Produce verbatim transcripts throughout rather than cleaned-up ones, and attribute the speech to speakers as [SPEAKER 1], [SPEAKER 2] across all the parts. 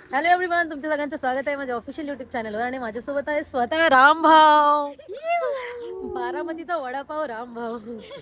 [SPEAKER 1] Hello everyone, तुमच्या सगळ्यांचं स्वागत आहे माझ्या ऑफिशियल युट्यूब चॅनलवर. आणि माझ्यासोबत आहे स्वतः रामभाव, बारामतीचा वडापाव रामभाव.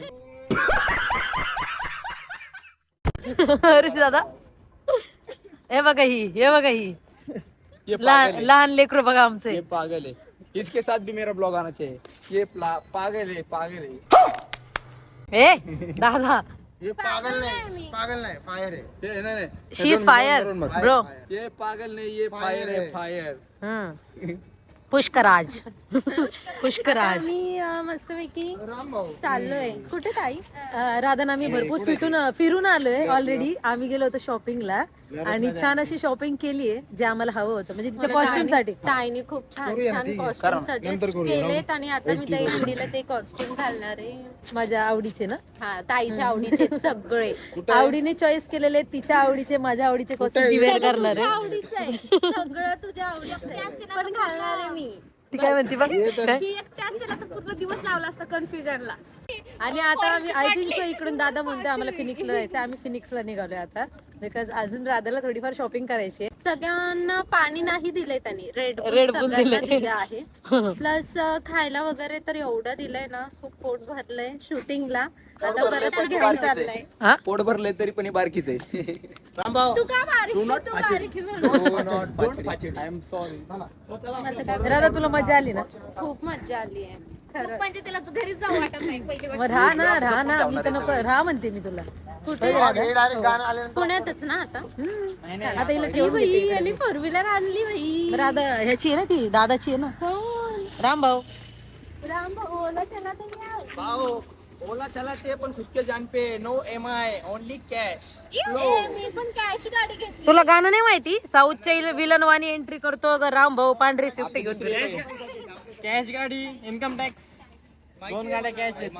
[SPEAKER 1] ऋषी दादा, हे बघा ही, हे बघा ही लहान लहान लेकरू बघा आमचे.
[SPEAKER 2] ये पागल है, इसके साथ भी मेरा ब्लॉग आना चाहिए. ये पागल है, पागल है.
[SPEAKER 1] ए दादा,
[SPEAKER 3] ये पागल नहीं, पागल नहीं, फायर है.
[SPEAKER 2] ये नहीं नहीं,
[SPEAKER 1] शी इज फायर ब्रो.
[SPEAKER 2] ये पागल नहीं, ये फायर है, फायर.
[SPEAKER 1] हम्म पुष्कराज. पुष्कराज.
[SPEAKER 4] मी मस्तपैकी चाललोय. कुठे ताई?
[SPEAKER 1] राधा आम्ही भरपूर फिटून फिरून आलोय ऑलरेडी. आम्ही गेलो होतो शॉपिंगला आणि छान अशी शॉपिंग केलीये जे आम्हाला हवं होतं, म्हणजे तिच्या कॉस्ट्युम साठी.
[SPEAKER 4] ताईने खूप छान छान कॉस्ट्युम सजेस्ट केलेत आणि आता मी ताई मुलीला ते कॉस्ट्युम घालणार आहे.
[SPEAKER 1] माझ्या आवडीचे ना,
[SPEAKER 4] हा ताईच्या आवडीचे सगळे.
[SPEAKER 1] आवडीने चॉईस केलेले, तिच्या आवडीचे, माझ्या आवडीचे कॉस्ट्युम वेअर करणार
[SPEAKER 4] तुझ्या
[SPEAKER 1] आहे.
[SPEAKER 4] आवडीचं आहे सगळं, तुझ्या आवडीचं आहे पण घालणार आहे मी.
[SPEAKER 1] ती काय म्हणते बघ.
[SPEAKER 4] ही एकटी असते ना तर पूर्ण दिवस लावला असता कन्फ्युजनला.
[SPEAKER 1] आणि आता आम्ही आय थिंक सो इकडून दादा म्हणतोय आम्हाला फिनिक्सला जायचं. आम्ही फिनिक्सला निघालोय आता, बिकॉज अजून राधाला थोडीफार शॉपिंग करायची आहे.
[SPEAKER 4] सगळ्यांना पाणी नाही दिलंय त्यांनी, रेड
[SPEAKER 1] Red Bull
[SPEAKER 4] सगळ्यांना
[SPEAKER 1] दिलंय.
[SPEAKER 4] दिलं आहे. प्लस खायला वगैरे तर एवढं दिलंय ना, खूप पोट भरलंय शूटिंगला. आता परत घेऊन चाललंय.
[SPEAKER 1] हा?
[SPEAKER 2] पोट भरले तरी पण बारकीच आहे.
[SPEAKER 4] तू का बारीक आहे? तू बारीक आहे.
[SPEAKER 2] I am sorry.
[SPEAKER 4] आता काय
[SPEAKER 1] राधा तुला मजा आली ना?
[SPEAKER 4] खूप मजा आली आहे खरं. म्हणजे त्याला घरीच जाऊ वाटत नाही पहिली
[SPEAKER 1] मग राहा ना, राहा ना. मी तर नको राहा म्हणते मी तुला.
[SPEAKER 4] कुठे
[SPEAKER 3] डायरेक्ट गाणं आल्यानंतर
[SPEAKER 4] पुण्यातच ना आता.
[SPEAKER 1] आता हिला
[SPEAKER 4] ही
[SPEAKER 1] ठेवून
[SPEAKER 4] बाई
[SPEAKER 1] घेते.
[SPEAKER 4] आणि फोर व्हीलर आणली बाई.
[SPEAKER 1] राधा ह्याची आहे ना, ती दादाची आहे ना.
[SPEAKER 4] कोण?
[SPEAKER 1] रामभाऊ.
[SPEAKER 4] राम भाऊ ओला चला तर या.
[SPEAKER 5] भाव ओला चलाते पण खुद के जान पे, no M I, only cash.
[SPEAKER 4] ए, मी पण कॅश गाडी घेतली.
[SPEAKER 1] तुला गाणं नाही माहिती? साऊथच्या विलन वाणी एंट्री करतो ग रामभाऊ, पांढरी स्विफ्ट घेऊन फिरतो.
[SPEAKER 5] कॅश गाडी, इन्कम टॅक्स, दोन गाड्या कॅश आहेत.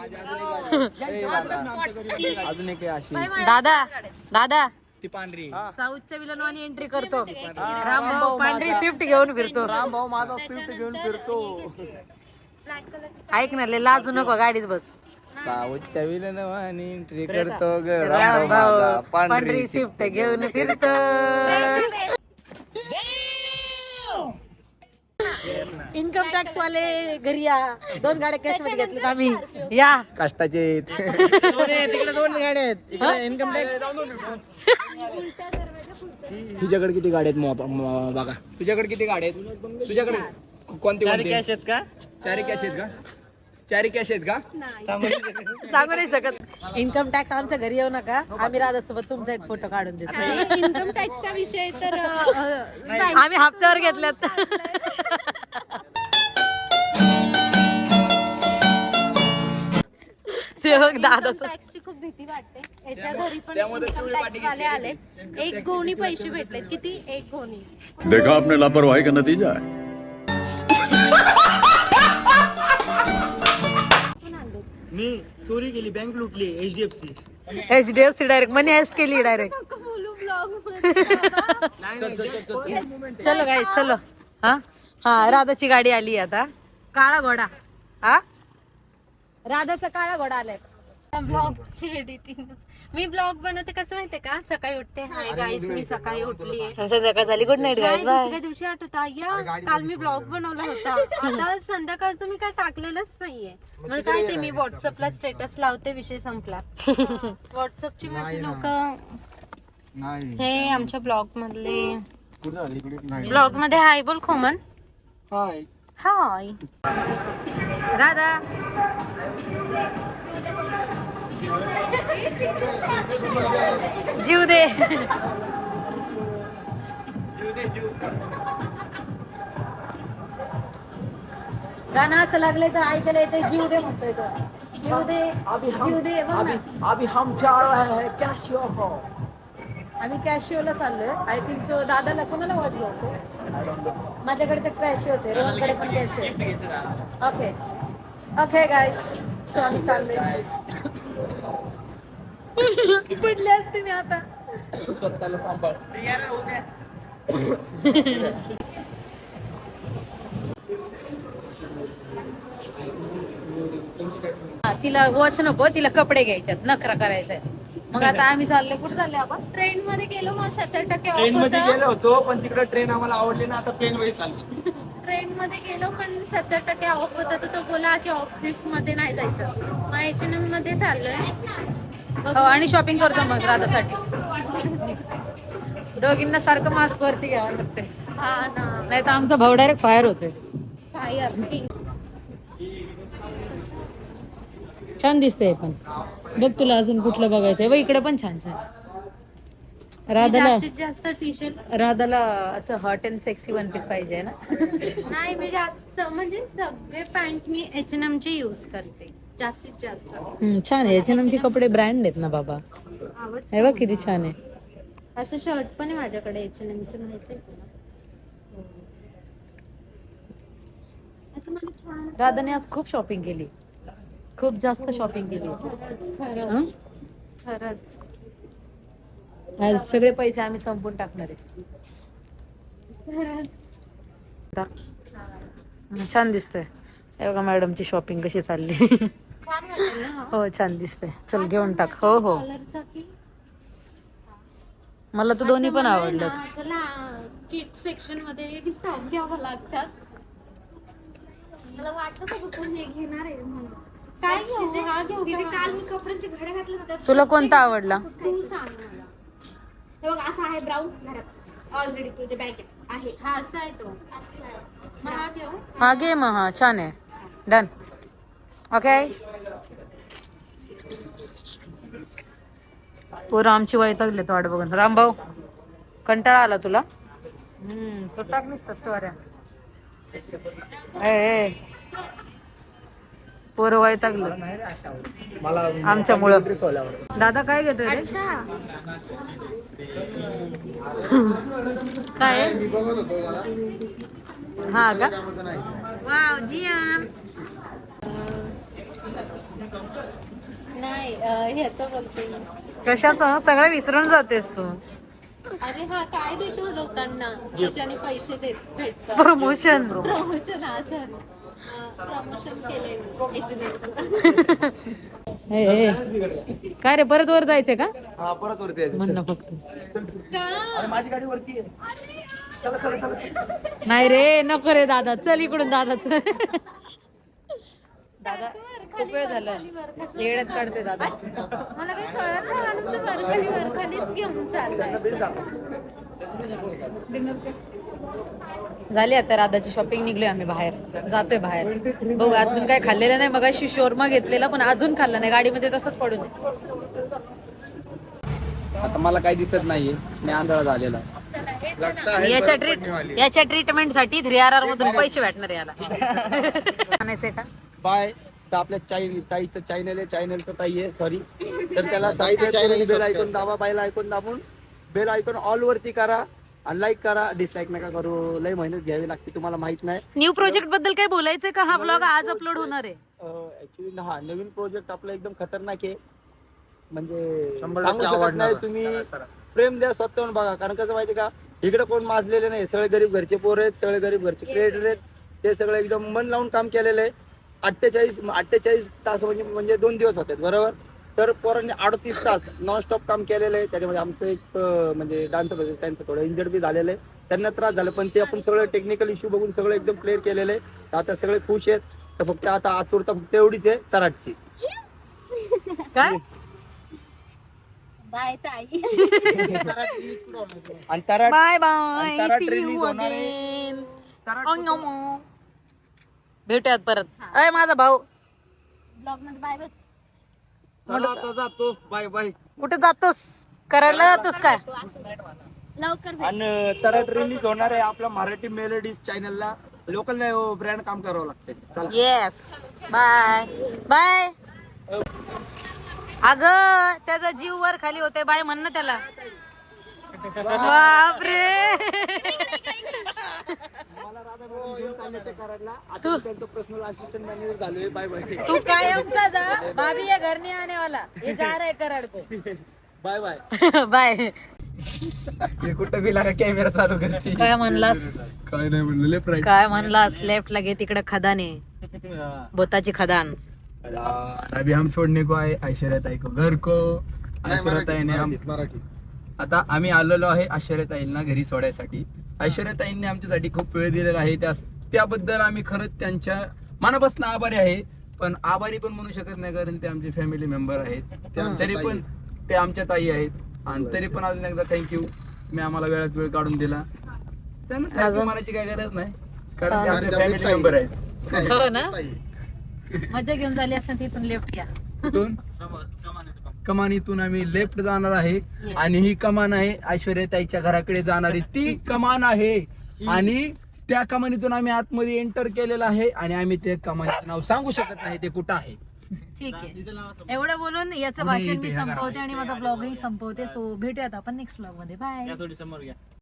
[SPEAKER 2] अजून एक आहे अशी,
[SPEAKER 1] दादा दादा
[SPEAKER 2] ती पांढरी.
[SPEAKER 1] साऊथच्या विलन वाणी एंट्री करतो रामभाऊ, पांढरी स्विफ्ट घेऊन फिरतो.
[SPEAKER 5] राम भाऊ माझा स्विफ्ट घेऊन फिरतो.
[SPEAKER 4] Black colour.
[SPEAKER 1] ऐक ना, लय लाजू नको, गाडीत बस.
[SPEAKER 2] साऊथच्या विलन वाणी एंट्री करतो ग
[SPEAKER 1] रामभाऊ, पांढरी स्विफ्ट घेऊन फिरतो. इन्कम टॅक्स वाले घरी या. दोन गाड्या कॅश मध्ये घेतल्या आम्ही. या
[SPEAKER 2] कष्टाचे.
[SPEAKER 5] तिकडे दोन गाड्या आहेत, इकडे इन्कम टॅक्स.
[SPEAKER 2] तुझ्याकडे किती गाड्या आहेत मो- मो- बघा, तुझ्याकडे किती गाड्या आहेत? तुझ्याकडे कोणते
[SPEAKER 5] चार
[SPEAKER 2] कोणते?
[SPEAKER 5] कॅश आहेत का?
[SPEAKER 2] चारी कॅश आहेत का? चारी कॅश आहेत का?
[SPEAKER 1] सांगू नाही शकत. इन्कम टॅक्स आमच्या घरी येऊ नका, आम्ही राधासोबत तुमचा एक फोटो काढून देतो.
[SPEAKER 4] इन्कम टॅक्सचा विषय तर अ, अ,
[SPEAKER 1] आम्ही हप्त्यावर घेतल्यात. ते बघ दादा
[SPEAKER 4] इन्कम टॅक्सची खूप भीती वाटते. याच्या घरी पण इन्कम टॅक्स वाले आलेत. एक गोणी पैसे भेटलेत. किती? एक गोणी.
[SPEAKER 6] देखा आपने लापरवाही का नतीजा है.
[SPEAKER 4] कोण आणलेत?
[SPEAKER 5] मी चोरी केली, बँक लुटली, H D F C.
[SPEAKER 1] H D F C direct money heist केली डायरेक्ट.
[SPEAKER 4] नको बोलू ब्लॉग मध्ये बाबा.
[SPEAKER 1] चलो गाईस, चलो. हा हा राधाची गाडी आली आता. काळा घोडा. हा राधाचा काळा घोडा आलाय.
[SPEAKER 4] ब्लॉगची एडिटिंग. मी ब्लॉग बनवते कसं माहितीये का? सकाळी उठते, हाय गाईस मी सकाळी उठली आहे.
[SPEAKER 1] संध्याकाळ झाली, गुड नाईट गाईस, बाय.
[SPEAKER 4] दुसऱ्या दिवशी आठवत या काल मी ब्लॉग बनवला होता. आता संध्याकाळचं मी काय टाकलेलंच नाहीये. मग काय ते मी व्हॉट्सअपला स्टेटस लावते, विषय संपला. व्हॉट्सअपची माझी लोक
[SPEAKER 3] नाही.
[SPEAKER 4] हे आमच्या ब्लॉग मधले.
[SPEAKER 3] कुठं झाली? इकडे नाही.
[SPEAKER 4] ब्लॉग मध्ये हाय बोल खोमन.
[SPEAKER 5] हाय.
[SPEAKER 4] हाय.
[SPEAKER 1] राधा जीव दे. गाणं असं लागलंय तर ऐकायला येते, जीव दे म्हणतोय तो. जीव दे, जीव दे. बघ ना,
[SPEAKER 2] अभी हम जा रहे हैं कॅशियो हो.
[SPEAKER 1] आम्ही कॅशिओला चाललोय. I think so. दादाला कोणाला वॉच घ्यायचं? माझ्याकडे तर कॅशिओच आहे, रोहनकडे पण Casio. Okay okay guys, so आम्ही चाललोय. पडले असते मी आता.
[SPEAKER 2] स्वतःला सांभाळ.
[SPEAKER 1] तिला वॉच नको, तिला कपडे घ्यायच्यात, नखरा करायचा. मग आता आम्ही चालले कुठे चालले आपण?
[SPEAKER 4] ट्रेन मध्ये गेलो मग सत्तर टक्के ऑफ
[SPEAKER 5] ट्रेन मध्ये
[SPEAKER 4] होतं.
[SPEAKER 5] गेलो होतो पण तिकडे ट्रेन आम्हाला आवडली ना, आता प्लेन मध्ये चालली.
[SPEAKER 4] ट्रेन मध्ये गेलो पण सत्तर टक्के ऑफ होता तर तो बोला आज ऑफ ट्रिप मध्ये नाही जायचं. मग एच एन एम मध्ये चाललोय.
[SPEAKER 1] हो आणि शॉपिंग करतो मग राधासाठी. दोघींना सारखं मास्क वरती घ्यावं लागते,
[SPEAKER 4] हा ना.
[SPEAKER 1] नाही तर आमचा भाऊ डायरेक्ट फायर होते.
[SPEAKER 4] Fire pink.
[SPEAKER 1] छान दिसतंय पण. बघ तुला अजून कुठलं बघायचंय? बघ इकडे पण छान छान. राधाला
[SPEAKER 4] जास्तीत जास्त टी शर्ट
[SPEAKER 1] राधाला असं hot and sexy one piece पाहिजे ना.
[SPEAKER 4] नाही, मी जास्त म्हणजे सगळे पॅन्ट मी एच एन एम चे युज करते जास्तीत जास्त.
[SPEAKER 1] हम्म, छान आहे. एच एन एमचे कपडे ब्रँड आहेत ना बाबा.
[SPEAKER 4] आवडते.
[SPEAKER 1] हे बघ किती छान आहे.
[SPEAKER 4] असं शर्ट पण आहे माझ्याकडे एच एन एमचं, माहिती आहे तुला? असं मला छान
[SPEAKER 1] राधाने आज खूप शॉपिंग केली, खूप जास्त शॉपिंग केली.
[SPEAKER 4] खरंच
[SPEAKER 1] हं?
[SPEAKER 4] खरंच खरंच.
[SPEAKER 1] आज सगळे पैसे आम्ही संपून टाकणार आहे. हं, छान दिसतंय. हे बघा मॅडमची शॉपिंग कशी चालली.
[SPEAKER 4] छान वाटेल ना हा?
[SPEAKER 1] हो छान दिसतंय. चल घेऊन टाक. हो हो
[SPEAKER 4] कलरचा की
[SPEAKER 1] मला तर दोन्ही पण आवडलं.
[SPEAKER 4] किड सेक्शन मध्ये टॉप घ्यावं लागतात.
[SPEAKER 7] मला वाटलं का कुठून हे घेणार आहे म्हणून.
[SPEAKER 4] काय घेऊ? हा घेऊ
[SPEAKER 7] तिचे
[SPEAKER 4] का?
[SPEAKER 7] काल मी कपड्यांचे घड्या घातले ना त्यात
[SPEAKER 1] तुला कोणता आवडला?
[SPEAKER 4] तू सांग मला.
[SPEAKER 7] हे बघ असा आहे ब्राऊन घरात ऑलरेडी तुझ्या बॅगेत आहे.
[SPEAKER 4] हा असा आहे तो.
[SPEAKER 7] असं आहे.
[SPEAKER 4] मग हा घेऊ.
[SPEAKER 1] हा घे मग. हा छान आहे. डन. ओके. पोरं आमची वैतागले तो वाट बघून. रामभाऊ कंटाळा आला तुला? हम्म तो टाकलीस स्टोऱ्या. ए पोरं वैतागलं आमच्यामुळं. दादा काय घेतोय रे? काय आहे? हा का? वाव जियान.
[SPEAKER 4] नाही अं, ह्याचं बोलते मी.
[SPEAKER 1] कशाचं? सगळं विसरून जातेस तू.
[SPEAKER 4] अरे हा काय देतो लोकांना ज्याने पैसे देत भेटतात.
[SPEAKER 1] प्रमोशन.
[SPEAKER 4] प्रमोशन हा सर प्रमोशन केले एच एन एम.
[SPEAKER 1] काय रे परत वर जायचंय का?
[SPEAKER 5] हा परत वरती यायचं.
[SPEAKER 1] म्हण ना फक्त.
[SPEAKER 5] अरे माझी गाडी वरती आहे. चला चला चला.
[SPEAKER 1] नाही रे नको रे दादा. चल इकडून दादा. चल. दादा खूप वेळ झाला येड्यात काढते दादा.
[SPEAKER 4] मला काही कळत नाही. माणूस वरखाली वरखालीच घेऊन चाललाय.
[SPEAKER 1] झाली आता राधाची शॉपिंग. निघलोय आम्ही बाहेर. जातोय बाहेर. बघू अजून काय खाल्लेलं नाही. मगाशी शोरमा घेतलेला पण अजून खाल्ला नाही. गाडीमध्ये तसंच पडून आहे.
[SPEAKER 2] आता मला काही दिसत नाहीये. मी आंधळा झालेला.
[SPEAKER 1] याच्या ट्रीट याच्या ट्रीटमेंट साठी थ्री आर आर मधून पैसे भेटणार याला. आणायचंय का?
[SPEAKER 5] बाय. तर आपल्या चाई ताईचं चॅनल आहे, चॅनलचं ताई आहे सॉरी. तर त्याला सबस्क्राईब बेल ऐकून दाबा. बायला ऐकून दाबून बेल ऐकून ऑल वरती करा आणि लाईक करा. डिसलाईक नका करू. लय मेहनत घ्यावी लागते तुम्हाला माहित नाही.
[SPEAKER 1] न्यू प्रोजेक्ट बद्दल काय बोलायचंय का? हा ब्लॉग आज अपलोड होणार आहे.
[SPEAKER 5] ऍक्च्युली हा नवीन प्रोजेक्ट आपला एकदम खतरनाक आहे. म्हणजे
[SPEAKER 3] शंभर
[SPEAKER 5] सांगू
[SPEAKER 3] टक्के
[SPEAKER 5] शकत
[SPEAKER 3] आवडणार.
[SPEAKER 5] नाही. तुम्ही प्रेम द्या स्वतःहून बघा. कारण कसं माहिती का इकडे कोण माजलेले नाही. सगळे गरीब घरचे पोर आहेत. सगळे गरीब घरचे क्रिएटर आहेत. ते सगळं एकदम मन लावून काम केलेलं आहे. अठ्ठेचाळीस अठ्ठेचाळीस तास म्हणजे म्हणजे दोन दिवस होते बरोबर. तर पोरांनी अडतीस तास नॉनस्टॉप काम केलेलं आहे. त्याच्यामध्ये आमचं एक अं, म्हणजे डान्सर होते त्यांचं थोडं इंजर्ड बी झालेलं आहे. त्यांना त्रास झाला पण ते आपण सगळं टेक्निकल इश्यू बघून सगळं एकदम क्लिअर केलेलं आहे. तर आता सगळे खुश आहेत. तर फक्त आता आतुरता फक्त एवढीच आहे तराटची.
[SPEAKER 1] काय?
[SPEAKER 7] बाय ताई.
[SPEAKER 5] आणि तराट
[SPEAKER 1] बाय
[SPEAKER 5] आणि
[SPEAKER 1] बाय.
[SPEAKER 5] तराट
[SPEAKER 1] See
[SPEAKER 5] release
[SPEAKER 1] you
[SPEAKER 5] होणार आहे.
[SPEAKER 1] again.
[SPEAKER 5] तराट
[SPEAKER 1] Oh, no more. भेटूयात परत. अय माझा भाऊ
[SPEAKER 7] ब्लॉग मध्ये बाय बाय.
[SPEAKER 3] चला आता जातो. Bye bye.
[SPEAKER 1] कुठे जातोस? करायला जातोस काय?
[SPEAKER 7] लवकर भेट.
[SPEAKER 5] आणि तराट रिलीज होणार आहे आपल्या मराठी मेलोडीज चॅनलला. लोकल ब्रँड काम करावं लागते. चला
[SPEAKER 1] येस. Bye bye. अगं त्याचा जीव वर खाली होते. बाय म्हण ना त्याला. बापरे.
[SPEAKER 5] मला राधा मॅडम घेऊन चालले ते कराडला. आता मी त्यांचं पर्सनल असिस्टंट मॅनेजर झालोय. Bye bye.
[SPEAKER 1] तू कायमचा जा. भाभी ये घर नहीं आने वाला. ये जा रहा है कराड को.
[SPEAKER 5] Bye bye.
[SPEAKER 1] बाय.
[SPEAKER 2] हे कुठं बी लागा कॅमेरा चालू करते.
[SPEAKER 1] काय म्हणलास?
[SPEAKER 2] काय नाही म्हणलं लेफ्ट राईट.
[SPEAKER 1] काय म्हणलास? लेफ्ट लागे तिकडे खदाने बोताची खदान.
[SPEAKER 2] अभी हम छोड़ने को आए ऐश्वर्या ताई को घर को. ऐश्वर्याताईने आम-
[SPEAKER 3] मराठी
[SPEAKER 2] आता आम्ही आलेलो आहे ऐश्वर्याताईंना घरी सोडायसाठी. ऐश्वर्याताईंनी आमच्यासाठी खूप वेळ दिलेला आहे, त्या त्याबद्दल आम्ही खरंच त्यांच्या मनापासून आभारी आहे. पण आभारी पण म्हणू शकत नाही, कारण ते आमचे फॅमिली मेंबर आहेत. तरी पण ते आमच्या ताई आहेत. आणि तरी पण अजून एकदा थँक्यू, मी आम्हाला वेळात वेळ काढून दिला. त्यांना थँक्यू म्हणायची काही गरज नाही, कारण ते आमचे फॅमिली मेंबर आहेत.
[SPEAKER 1] हो ना, मजा घेऊन झाली असं तिथून लेफ्ट घ्या.
[SPEAKER 2] कुठून? कमानीतून आम्ही लेफ्ट जाणार आहे. आणि ही कमान आहे ऐश्वर्याताईच्या घराकडे जाणारी ती कमान आहे. आणि त्या कमानीतून आम्ही आतमध्ये एंटर केलेलं आहे. आणि आम्ही ते कमानीचं नाव सांगू शकत नाही ते कुठं आहे.
[SPEAKER 1] ठीक आहे, एवढं बोलून याचं भाषण मी संपवते आणि माझा ब्लॉगही संपवते. सो भेटूयात आपण नेक्स्ट ब्लॉग मध्ये. बाय.